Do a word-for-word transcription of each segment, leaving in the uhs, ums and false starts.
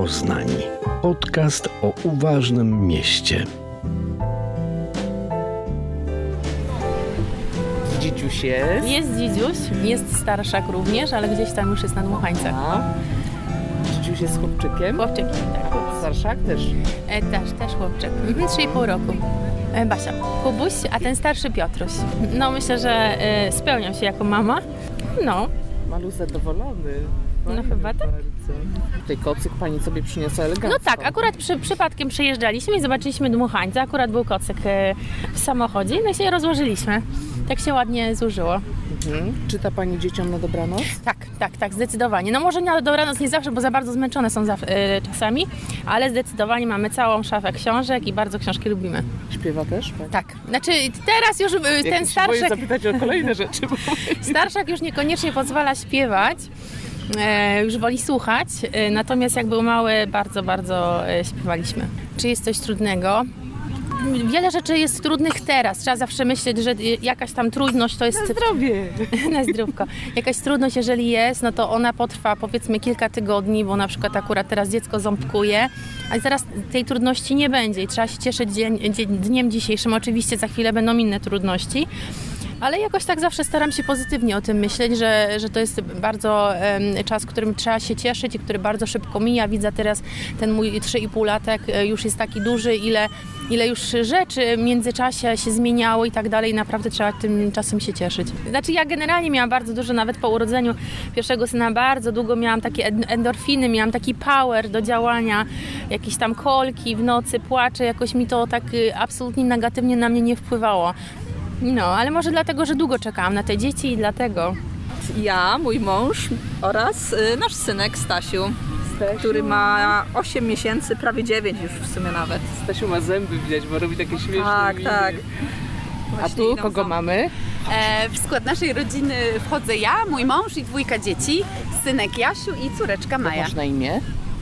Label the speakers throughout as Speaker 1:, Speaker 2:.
Speaker 1: Poznań. Podcast o uważnym mieście.
Speaker 2: Dzidziuś jest.
Speaker 3: Jest dzidziuś, jest starszak również, ale gdzieś tam już jest na dmuchańcach.
Speaker 2: A. Dzidziuś jest chłopczykiem.
Speaker 3: Chłopczyk, tak.
Speaker 2: Starszak też.
Speaker 3: E, też, też chłopczyk. Mhm, trzy i pół roku. E, Basia, Kubuś, a ten starszy Piotruś. No myślę, że e, spełniam się jako mama. No.
Speaker 2: Malu zadowolony.
Speaker 3: No
Speaker 2: Fajnie
Speaker 3: chyba tak.
Speaker 2: bardzo. Tutaj kocyk pani sobie przyniosła elegancko.
Speaker 3: No tak, akurat przy, przypadkiem przejeżdżaliśmy i zobaczyliśmy dmuchańca. Akurat był kocyk e, w samochodzie, no i się rozłożyliśmy. Tak się ładnie zużyło.
Speaker 2: Mhm. Czyta pani dzieciom na dobranoc?
Speaker 3: Tak, tak, tak, zdecydowanie. No może na dobranoc nie zawsze, bo za bardzo zmęczone są za, e, czasami, ale zdecydowanie mamy całą szafę książek i bardzo książki lubimy.
Speaker 2: Śpiewa też? Pani?
Speaker 3: Tak, znaczy teraz już e,
Speaker 2: Jak
Speaker 3: ten
Speaker 2: się boję
Speaker 3: starszak,
Speaker 2: zapytać o kolejne rzeczy. Bo...
Speaker 3: starszak już niekoniecznie pozwala śpiewać, e, już woli słuchać, e, natomiast jak był mały, bardzo, bardzo e, śpiewaliśmy. Czy jest coś trudnego? Wiele rzeczy jest trudnych teraz. Trzeba zawsze myśleć, że jakaś tam trudność to jest...
Speaker 2: Na zdrowie!
Speaker 3: Na zdrówko. Jakaś trudność, jeżeli jest, no to ona potrwa powiedzmy kilka tygodni, bo na przykład akurat teraz dziecko ząbkuje, a zaraz tej trudności nie będzie i trzeba się cieszyć dzień, dzień, dniem dzisiejszym. Oczywiście za chwilę będą inne trudności, ale jakoś tak zawsze staram się pozytywnie o tym myśleć, że, że to jest bardzo um, czas, którym trzeba się cieszyć i który bardzo szybko mija. Widzę teraz ten mój trzy i pół latek już jest taki duży, ile, ile już rzeczy w międzyczasie się zmieniało i tak dalej. Naprawdę trzeba tym czasem się cieszyć. Znaczy ja generalnie miałam bardzo dużo, nawet po urodzeniu pierwszego syna, bardzo długo miałam takie endorfiny, miałam taki power do działania, jakieś tam kolki w nocy, płacze, jakoś mi to tak absolutnie negatywnie na mnie nie wpływało. No, ale może dlatego, że długo czekałam na te dzieci i dlatego.
Speaker 4: Ja, mój mąż oraz y, nasz synek Stasiu, Stasiu, który ma osiem miesięcy, prawie dziewięć już w sumie nawet.
Speaker 2: Stasiu ma zęby widać, bo robi takie śmieszne
Speaker 4: Tak,
Speaker 2: miny.
Speaker 4: tak.
Speaker 2: A
Speaker 4: Właśnie
Speaker 2: tu
Speaker 4: idą
Speaker 2: kogo
Speaker 4: za-
Speaker 2: mamy?
Speaker 5: E, w skład naszej rodziny wchodzę ja, mój mąż i dwójka dzieci, synek Jasiu i córeczka Maja.
Speaker 2: Masz na imię?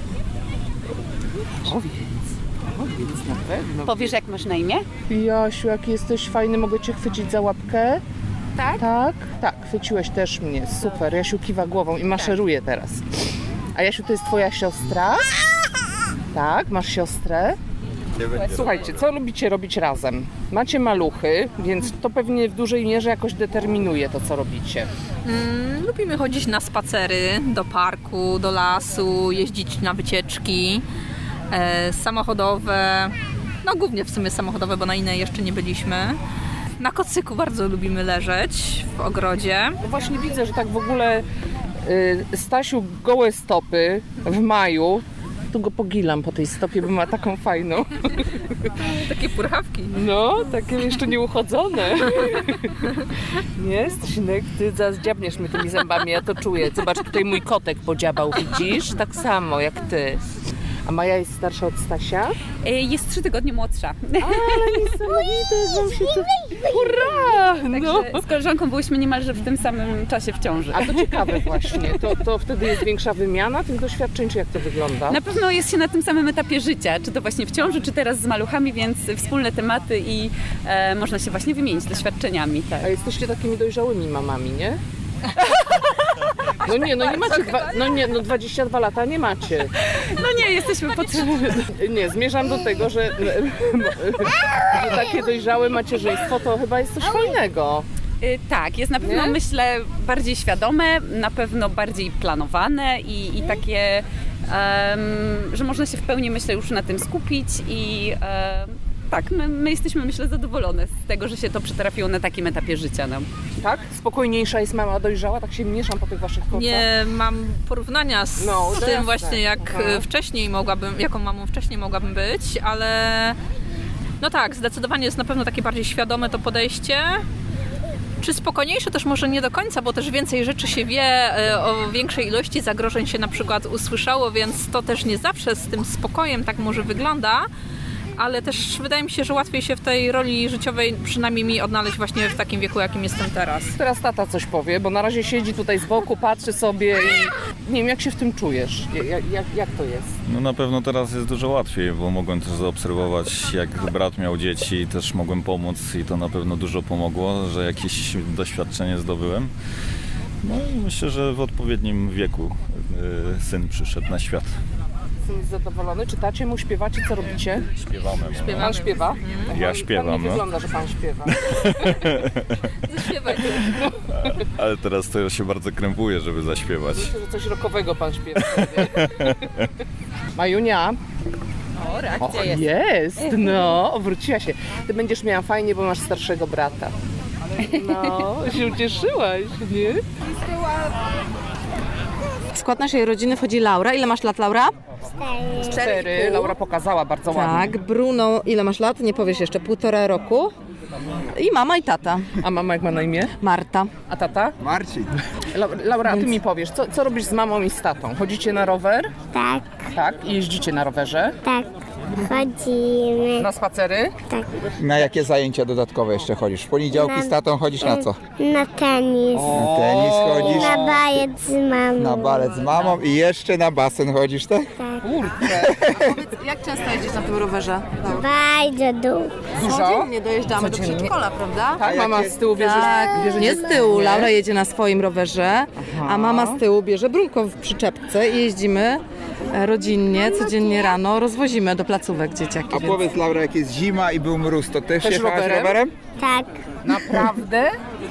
Speaker 2: Powiedz, powiedz na pewno.
Speaker 5: Powiesz, jak masz na imię?
Speaker 2: Jasiu, jaki jesteś fajny, mogę cię chwycić za łapkę?
Speaker 5: Tak?
Speaker 2: Tak? Tak, chwyciłeś też mnie, super. Jasiu kiwa głową i maszeruje teraz. A Jasiu, to jest twoja siostra? Tak, masz siostrę? Słuchajcie, co lubicie robić razem? Macie maluchy, więc to pewnie w dużej mierze jakoś determinuje to, co robicie.
Speaker 4: Mm, lubimy chodzić na spacery, do parku, do lasu, jeździć na wycieczki e, samochodowe, no głównie w sumie samochodowe, bo na inne jeszcze nie byliśmy. Na kocyku bardzo lubimy leżeć w ogrodzie.
Speaker 2: No właśnie widzę, że tak w ogóle y, Stasiu gołe stopy w maju. Tu go pogilam po tej stopie, bo ma taką fajną.
Speaker 4: Takie purchawki.
Speaker 2: No, takie jeszcze nieuchodzone. Nie, Stasinek, ty zaraz dziabniesz mnie tymi zębami, ja to czuję. Zobacz, tutaj mój kotek podziabał, widzisz? Tak samo jak ty. A Maja jest starsza od Stasia?
Speaker 5: E, jest trzy tygodnie młodsza.
Speaker 2: Ale niesamowite, wam się to... Hurra! No.
Speaker 5: Także z koleżanką byłyśmy niemalże w tym samym czasie w ciąży.
Speaker 2: A to ciekawe właśnie, to, to wtedy jest większa wymiana tych doświadczeń, czy jak to wygląda?
Speaker 5: Na pewno jest się na tym samym etapie życia, czy to właśnie w ciąży, czy teraz z maluchami, więc wspólne tematy i e, można się właśnie wymienić doświadczeniami. Tak.
Speaker 2: A jesteście takimi dojrzałymi mamami, nie? No nie, no nie macie, dwa, no nie, no dwadzieścia dwa lata nie macie.
Speaker 5: No nie, jesteśmy potrzebni.
Speaker 2: Nie, zmierzam do tego, że, że takie dojrzałe macierzyństwo to chyba jest coś fajnego.
Speaker 5: Y, Tak, jest na pewno,
Speaker 2: Nie?
Speaker 5: myślę, bardziej świadome, na pewno bardziej planowane i, i takie, em, że można się w pełni, myślę, już na tym skupić i em, tak, my, my jesteśmy, myślę, zadowolone z tego, że się to przytrafiło na takim etapie życia nam.
Speaker 2: Tak? Spokojniejsza jest mama dojrzała, tak się mieszam po tych waszych kocach.
Speaker 4: Nie mam porównania z
Speaker 2: No, to
Speaker 4: tym
Speaker 2: jasne.
Speaker 4: właśnie, jak
Speaker 2: Aha.
Speaker 4: e, wcześniej mogłabym, jaką mamą wcześniej mogłabym być, ale no tak, zdecydowanie jest na pewno takie bardziej świadome to podejście. Czy spokojniejsze też może nie do końca, bo też więcej rzeczy się wie, e, o większej ilości zagrożeń się na przykład usłyszało, więc to też nie zawsze z tym spokojem tak może wygląda. Ale też wydaje mi się, że łatwiej się w tej roli życiowej, przynajmniej mi, odnaleźć właśnie w takim wieku, jakim jestem teraz.
Speaker 2: Teraz tata coś powie, bo na razie siedzi tutaj z boku, patrzy sobie i nie wiem, jak się w tym czujesz? Jak, jak, jak to jest?
Speaker 6: No na pewno teraz jest dużo łatwiej, bo mogłem też zaobserwować, jak brat miał dzieci i też mogłem pomóc i to na pewno dużo pomogło, że jakieś doświadczenie zdobyłem. No i myślę, że w odpowiednim wieku y, syn przyszedł na świat.
Speaker 2: Jestem zadowolony. Czytacie mu, śpiewacie, co robicie?
Speaker 6: Śpiewamy. no.
Speaker 2: Pan śpiewa?
Speaker 6: Ja
Speaker 2: Pan
Speaker 6: śpiewam,
Speaker 2: nie
Speaker 6: no.
Speaker 2: wygląda, że pan śpiewa.
Speaker 4: Zaśpiewaj.
Speaker 6: Ale teraz to ja się bardzo krępuję, żeby zaśpiewać.
Speaker 2: Myślę, że coś rockowego pan śpiewa. Majunia.
Speaker 5: O, reakcja
Speaker 2: O, jest, no, wróciła się. Ty będziesz miała fajnie, bo masz starszego brata. No, się ucieszyłaś, nie?
Speaker 7: W skład naszej rodziny wchodzi Laura. Ile masz lat, Laura?
Speaker 2: Cztery. Laura pokazała bardzo ładnie.
Speaker 7: Tak. Bruno, ile masz lat? Nie powiesz jeszcze. Półtora roku. I mama i tata.
Speaker 2: A mama jak ma na imię?
Speaker 7: Marta.
Speaker 2: A tata?
Speaker 8: Marcin.
Speaker 2: La- Laura, a ty mi powiesz, co, co robisz z mamą i z tatą? Chodzicie na rower?
Speaker 9: Tak,
Speaker 2: Tak. I jeździcie na rowerze?
Speaker 9: tak. Chodzimy.
Speaker 2: Na spacery?
Speaker 8: Na jakie zajęcia dodatkowe jeszcze chodzisz? W poniedziałki z tatą chodzisz na co?
Speaker 9: Na tenis.
Speaker 8: Na tenis chodzisz,
Speaker 9: Na balet z mamą.
Speaker 8: na balet z mamą i jeszcze na basen chodzisz, tak?
Speaker 2: Kurczę.
Speaker 7: Jak często jeździsz na tym rowerze?
Speaker 9: Bardzo dużo.
Speaker 2: Dużo?
Speaker 7: Nie dojeżdżamy do
Speaker 2: Codziennie?
Speaker 7: przedszkola, prawda?
Speaker 2: Tak, mama z tyłu bierze...
Speaker 7: Tak,
Speaker 2: bierze
Speaker 7: nie z
Speaker 2: dziecko?
Speaker 7: tyłu.
Speaker 2: Nie?
Speaker 7: Laura jedzie na swoim rowerze, a mama z tyłu bierze Brunko w przyczepce i jeździmy e, rodzinnie, codziennie rano, rozwozimy do placówek dzieciaki.
Speaker 8: A
Speaker 7: Więc...
Speaker 8: powiedz Laura, jak jest zima i był mróz, to też,
Speaker 2: Też
Speaker 8: jechałaś
Speaker 2: rowerem?
Speaker 8: rowerem?
Speaker 9: Tak.
Speaker 2: Naprawdę?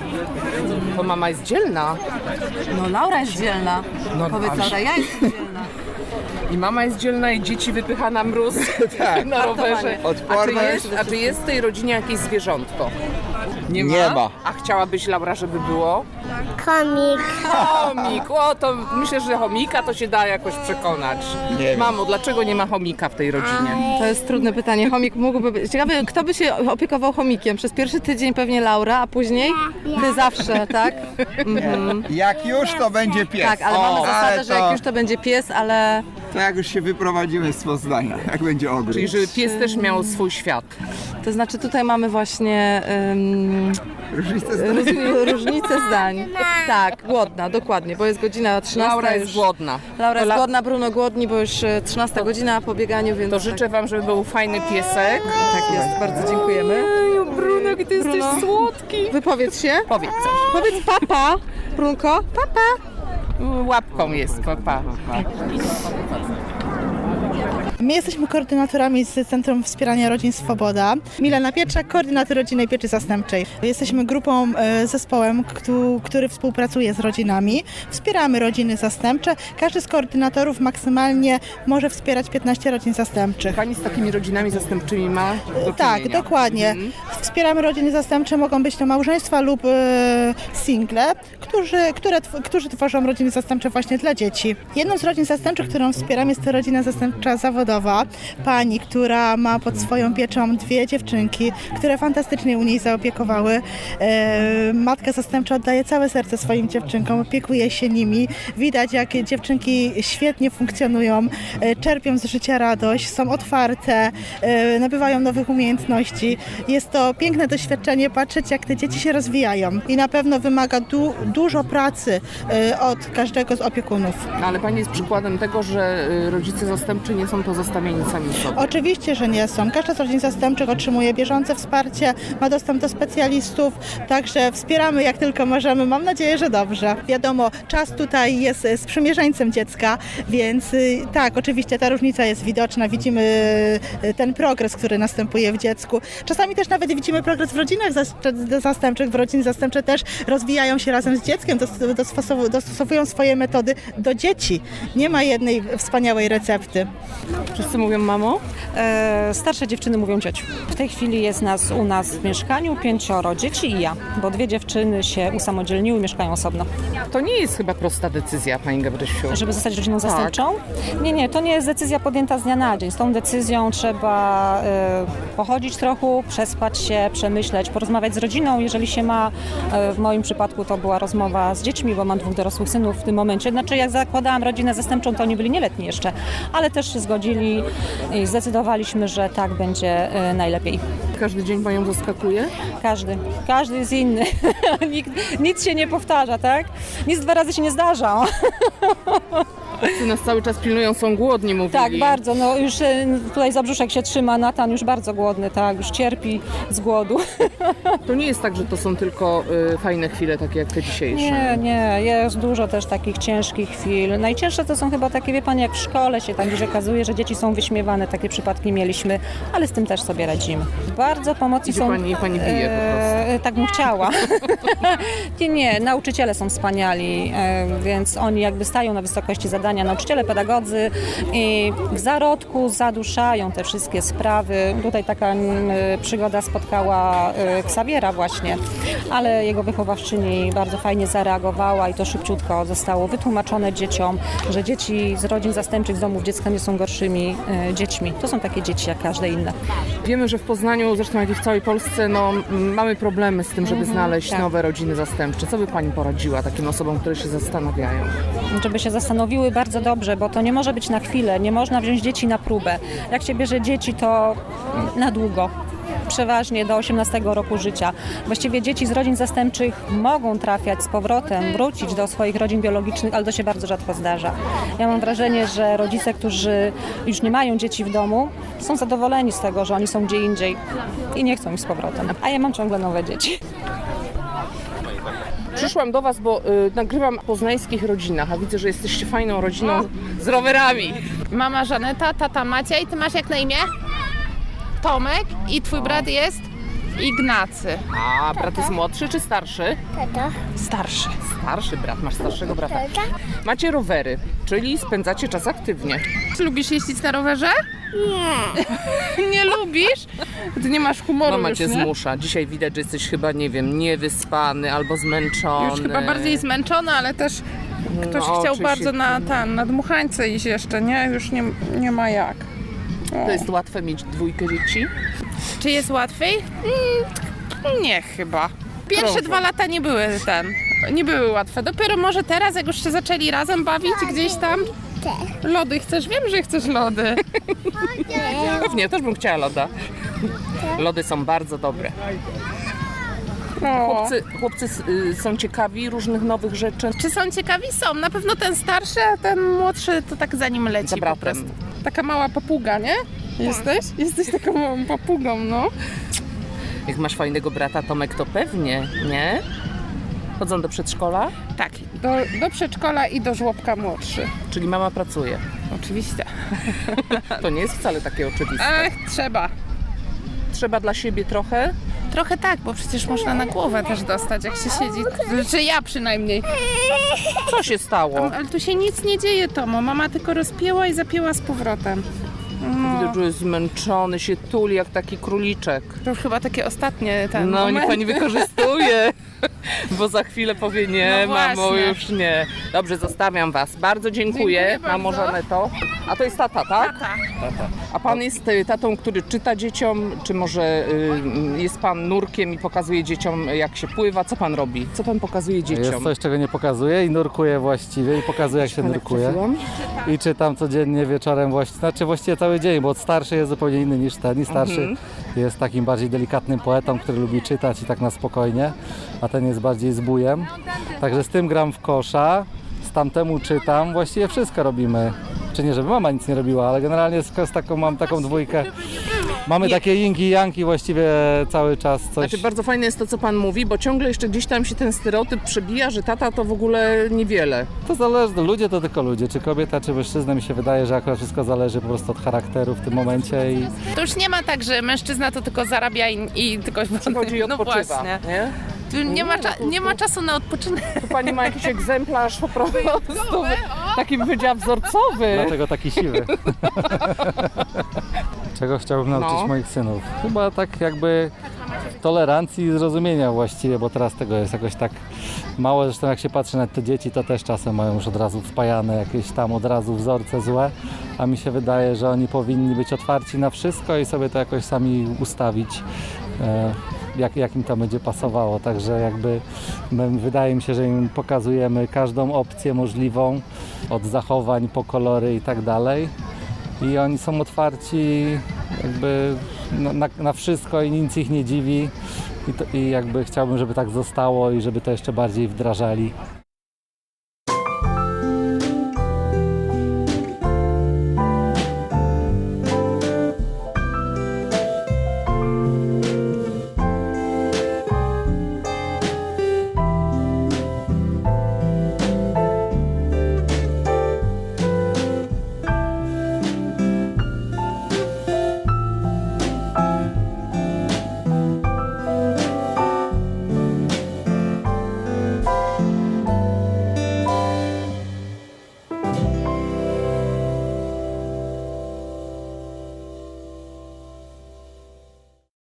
Speaker 2: To mama jest dzielna.
Speaker 7: No Laura jest dzielna.
Speaker 2: No,
Speaker 7: Powiedz
Speaker 2: ale-
Speaker 7: Laura, ja jestem dzielna.
Speaker 2: I mama jest dzielna i dzieci wypycha na mróz
Speaker 8: Tak.
Speaker 2: na rowerze. A czy,
Speaker 8: Odporna
Speaker 2: jest, a czy jest w tej rodzinie jakieś zwierzątko? Nie ma?
Speaker 8: Nie ma.
Speaker 2: A chciałabyś, Laura, żeby było?
Speaker 9: Komik.
Speaker 2: Chomik. O, to myślę, że chomika to się da jakoś przekonać.
Speaker 8: Nie wiem.
Speaker 2: Mamo, dlaczego nie ma chomika w tej rodzinie?
Speaker 7: To jest trudne pytanie. Chomik mógłby być. Ciekawe, kto by się opiekował chomikiem? Przez pierwszy tydzień pewnie Laura, a później ty zawsze, tak? Mhm.
Speaker 8: Jak już, to będzie pies.
Speaker 7: Tak, ale mamy
Speaker 8: O,
Speaker 7: zasadę,
Speaker 8: ale
Speaker 7: że jak już to będzie pies, ale
Speaker 8: To jak już się wyprowadzimy z Poznania, jak będzie ogród.
Speaker 2: Czyli żeby pies też miał swój świat.
Speaker 7: to znaczy tutaj mamy właśnie um,
Speaker 8: Różnice zdań.
Speaker 7: różni, różnice zdań. Tak, głodna, dokładnie, bo jest godzina trzynasta.
Speaker 2: Laura jest
Speaker 7: już,
Speaker 2: głodna.
Speaker 7: Laura jest
Speaker 2: To la-
Speaker 7: głodna, Bruno głodni, bo już e, trzynasta godzina po bieganiu, więc
Speaker 2: To życzę wam, żeby był fajny piesek.
Speaker 7: tak, tak jest. Bardzo dziękujemy.
Speaker 2: Eju, Bruno, jaki ty
Speaker 7: Bruno.
Speaker 2: jesteś słodki.
Speaker 7: Wypowiedz się.
Speaker 2: Powiedz coś.
Speaker 7: Powiedz papa, Brunko, papa.
Speaker 2: Łapką jest, papa.
Speaker 10: My jesteśmy koordynatorami z Centrum Wspierania Rodzin Swoboda. Milena Pietrzak, koordynator rodzinnej pieczy zastępczej. Jesteśmy grupą, e, zespołem, któ- który współpracuje z rodzinami. Wspieramy rodziny zastępcze. Każdy z koordynatorów maksymalnie może wspierać piętnaście rodzin zastępczych.
Speaker 2: Pani z takimi rodzinami zastępczymi ma do
Speaker 10: Tak,
Speaker 2: czynienia.
Speaker 10: dokładnie. Wspieramy rodziny zastępcze, mogą być to małżeństwa lub e, single, którzy, które, tw- którzy tworzą rodziny zastępcze właśnie dla dzieci. Jedną z rodzin zastępczych, którą wspieram, jest to rodzina zastępcza zawodowa. Pani, która ma pod swoją pieczą dwie dziewczynki, które fantastycznie u niej zaopiekowały. E, matka zastępcza oddaje całe serce swoim dziewczynkom, opiekuje się nimi. Widać, jak dziewczynki świetnie funkcjonują, e, czerpią z życia radość, są otwarte, e, nabywają nowych umiejętności. Jest to piękne doświadczenie patrzeć, jak te dzieci się rozwijają i na pewno wymaga du- dużo pracy e, od każdego z opiekunów.
Speaker 2: No, ale pani jest przykładem tego, że y, rodzice zastępczy nie są pozostawieni sami sobie.
Speaker 10: Oczywiście, że nie są. Każda z rodzin zastępczych otrzymuje bieżące wsparcie, ma dostęp do specjalistów, także wspieramy jak tylko możemy. Mam nadzieję, że dobrze. Wiadomo, czas tutaj jest y, sprzymierzeńcem dziecka, więc y, tak, oczywiście ta różnica jest widoczna. Widzimy y, ten progres, który następuje w dziecku. Czasami też nawet widzimy progres w rodzinach zas- zastępczych, w rodziny zastępcze też rozwijają się razem z dzieckiem, dos- dostosow- dostosowują swoje metody do dzieci. Nie ma jednej wspaniałej recepty.
Speaker 2: Wszyscy mówią mamo?
Speaker 11: E, starsze dziewczyny mówią ciociu. W tej chwili jest nas u nas w mieszkaniu pięcioro dzieci i ja, bo dwie dziewczyny się usamodzielniły i mieszkają osobno.
Speaker 2: To nie jest chyba prosta decyzja, pani Gabrysiu.
Speaker 11: Żeby zostać rodziną zastępczą? Nie, nie, to nie jest decyzja podjęta z dnia na dzień. Z tą decyzją trzeba e, pochodzić trochę, przespać się, przemyśleć, porozmawiać z rodziną, jeżeli się ma. E, w moim przypadku to była rozmowa z dziećmi, bo mam dwóch dorosłych synów w tym momencie. Znaczy jak zakładałam rodzinę zastępczą, to oni byli nieletni jeszcze, ale też się zgodzili i zdecydowaliśmy, że tak będzie e, najlepiej.
Speaker 2: Każdy dzień panią zaskakuje?
Speaker 11: Każdy. Każdy jest inny. Nikt, nic się nie powtarza, tak? Nic dwa razy się nie zdarza.
Speaker 2: Ty nas cały czas pilnują, są głodni, mówili.
Speaker 11: Tak, bardzo. No już e, tutaj za brzuszek się trzyma, Natan już bardzo głodny, tak, już cierpi z głodu.
Speaker 2: To nie jest tak, że to są tylko y, fajne chwile, takie jak te dzisiejsze.
Speaker 11: Nie, nie, jest dużo też takich ciężkich chwil. Najcięższe to są chyba takie, wie Pani, jak w szkole się tam gdzieś okazuje, że dzieci są wyśmiewane, takie przypadki mieliśmy, ale z tym też sobie radzimy. Bardzo pomocy
Speaker 2: Idzie
Speaker 11: są...
Speaker 2: pani i pani bije po prostu.
Speaker 11: E, tak bym chciała. nie, nie, nauczyciele są wspaniali, e, więc oni jakby stają na wysokości zadania, nauczyciele, pedagodzy i w zarodku zaduszają te wszystkie sprawy. Tutaj taka m, przygoda spotkała e, Ksawiera właśnie, ale jego wychowawczyni bardzo fajnie zareagowała i to szybciutko zostało wytłumaczone dzieciom, że dzieci z rodzin zastępczych, z domów dziecka nie są gorszymi e, dziećmi. To są takie dzieci jak każde inne.
Speaker 2: Wiemy, że w Poznaniu, zresztą jak i w całej Polsce, no, m, mamy problemy z tym, żeby
Speaker 11: Mhm,
Speaker 2: znaleźć
Speaker 11: tak.
Speaker 2: nowe rodziny zastępcze. Co by pani poradziła takim osobom, które się zastanawiają?
Speaker 11: Żeby się zastanowiły bardzo dobrze, bo to nie może być na chwilę, nie można wziąć dzieci na próbę. Jak się bierze dzieci, to na długo. Przeważnie do osiemnastego roku życia. Właściwie dzieci z rodzin zastępczych mogą trafiać z powrotem, wrócić do swoich rodzin biologicznych, ale to się bardzo rzadko zdarza. Ja mam wrażenie, że rodzice, którzy już nie mają dzieci w domu, są zadowoleni z tego, że oni są gdzie indziej i nie chcą ich z powrotem. A ja mam ciągle nowe dzieci.
Speaker 2: Przyszłam do was, bo y, nagrywam o poznańskich rodzinach, a widzę, że jesteście fajną rodziną z rowerami.
Speaker 12: Mama Żaneta, tata Maciej. Ty masz jak na imię? Tomek i twój brat jest Ignacy.
Speaker 2: A brat jest młodszy czy starszy?
Speaker 9: Tata.
Speaker 2: Starszy. Starszy brat, masz starszego brata. Macie rowery, czyli spędzacie czas aktywnie.
Speaker 12: Czy lubisz jeździć na rowerze?
Speaker 9: Nie.
Speaker 12: Nie lubisz? Ty nie masz humoru
Speaker 2: Mama
Speaker 12: już,
Speaker 2: cię
Speaker 12: nie?
Speaker 2: zmusza. Dzisiaj widać, że jesteś chyba, nie wiem, niewyspany albo zmęczony.
Speaker 12: Już chyba bardziej zmęczona, ale też ktoś
Speaker 2: No,
Speaker 12: chciał
Speaker 2: oczywiście.
Speaker 12: bardzo na ten, na dmuchańce iść jeszcze, nie? Już nie, nie ma jak.
Speaker 2: To jest łatwe mieć dwójkę dzieci?
Speaker 12: Czy jest łatwiej? Mm, nie chyba. Pierwsze
Speaker 2: Krążą.
Speaker 12: dwa lata nie były ten, nie były łatwe. Dopiero może teraz, jak już się zaczęli razem bawić gdzieś tam. Lody chcesz? Wiem, że chcesz lody.
Speaker 2: Pewnie, też bym chciała loda. Lody są bardzo dobre.
Speaker 12: O.
Speaker 2: Chłopcy, chłopcy y, są ciekawi różnych nowych rzeczy.
Speaker 12: Czy są ciekawi? Są. Na pewno ten starszy, a ten młodszy to tak za nim leci
Speaker 2: Za
Speaker 12: po
Speaker 2: bratem.
Speaker 12: prostu. Taka mała papuga, nie? Jesteś? Jesteś taką małą papugą, no.
Speaker 2: Jak masz fajnego brata, Tomek, to pewnie, nie? Chodzą do przedszkola,
Speaker 12: Tak, do, do przedszkola i do żłobka młodszy.
Speaker 2: czyli mama pracuje.
Speaker 12: Oczywiście.
Speaker 2: To nie jest wcale takie oczywiste.
Speaker 12: Ach, trzeba.
Speaker 2: Trzeba dla siebie trochę.
Speaker 12: Trochę tak, bo przecież można na głowę też dostać, jak się siedzi. Czy ja przynajmniej.
Speaker 2: Co się stało?
Speaker 12: Ale tu się nic nie dzieje, Tomo. Mama tylko rozpięła i zapięła z powrotem. No,
Speaker 2: Widzę, że jest zmęczony, się tuli jak taki króliczek.
Speaker 12: to już chyba takie ostatnie ten
Speaker 2: No, niech
Speaker 12: moment.
Speaker 2: pani wykorzystuje, bo za chwilę powie nie,
Speaker 12: No
Speaker 2: mamo,
Speaker 12: właśnie.
Speaker 2: już nie. Dobrze, zostawiam was. Bardzo dziękuję,
Speaker 12: Dziękuję
Speaker 2: mamo
Speaker 12: bardzo.
Speaker 2: Żaneto. A to jest tata, tak?
Speaker 12: Tata.
Speaker 2: A pan jest y, tatą, który czyta dzieciom, czy może y, jest pan nurkiem i pokazuje dzieciom, jak się pływa? Co pan robi? Co pan pokazuje dzieciom?
Speaker 13: Jest coś, czego nie pokazuję i nurkuję właściwie i pokazuję, jak się
Speaker 2: Ale
Speaker 13: nurkuje.
Speaker 2: trafiłam?
Speaker 13: I czytam codziennie wieczorem właściwie, znaczy właściwie cały dzień, bo starszy jest zupełnie inny niż ten. I starszy
Speaker 2: Mhm.
Speaker 13: jest takim bardziej delikatnym poetą, który lubi czytać i tak na spokojnie, a ten jest bardziej zbójem. Także z tym gram w kosza, z tamtemu czytam, właściwie wszystko robimy. Czy nie, żeby mama nic nie robiła, ale generalnie z, z taką, mam taką dwójkę. Mamy takie yinki i janki właściwie cały czas coś.
Speaker 2: Znaczy bardzo fajne jest to, co pan mówi, bo ciągle jeszcze gdzieś tam się ten stereotyp przebija, że tata to w ogóle niewiele.
Speaker 13: To zależy, ludzie to tylko ludzie, czy kobieta, czy mężczyzna, mi się wydaje, że akurat wszystko zależy po prostu od charakteru w tym momencie i
Speaker 12: To już nie ma tak, że mężczyzna to tylko zarabia i, i tylko...
Speaker 2: Przychodzi i
Speaker 12: No
Speaker 2: odpoczywa,
Speaker 12: właśnie.
Speaker 2: nie?
Speaker 12: Tu nie, ma,
Speaker 2: no
Speaker 12: cza-
Speaker 2: tu-
Speaker 12: nie ma czasu na odpoczynek.
Speaker 2: Tu pani ma jakiś egzemplarz po prostu, taki bym powiedziała wzorcowy.
Speaker 13: dlatego taki siwy. Czego chciałbym nauczyć
Speaker 2: No.
Speaker 13: moich synów? Chyba tak jakby tolerancji i zrozumienia właściwie, bo teraz tego jest jakoś tak mało. Zresztą jak się patrzy na te dzieci, to też czasem mają już od razu wpajane jakieś tam od razu wzorce złe, a mi się wydaje, że oni powinni być otwarci na wszystko i sobie to jakoś sami ustawić. E, Jak, jak im to będzie pasowało, także jakby my, wydaje mi się, że im pokazujemy każdą opcję możliwą, od zachowań po kolory i tak dalej i oni są otwarci jakby na, na, na wszystko i nic ich nie dziwi i, to, i jakby chciałbym, żeby tak zostało i żeby to jeszcze bardziej wdrażali.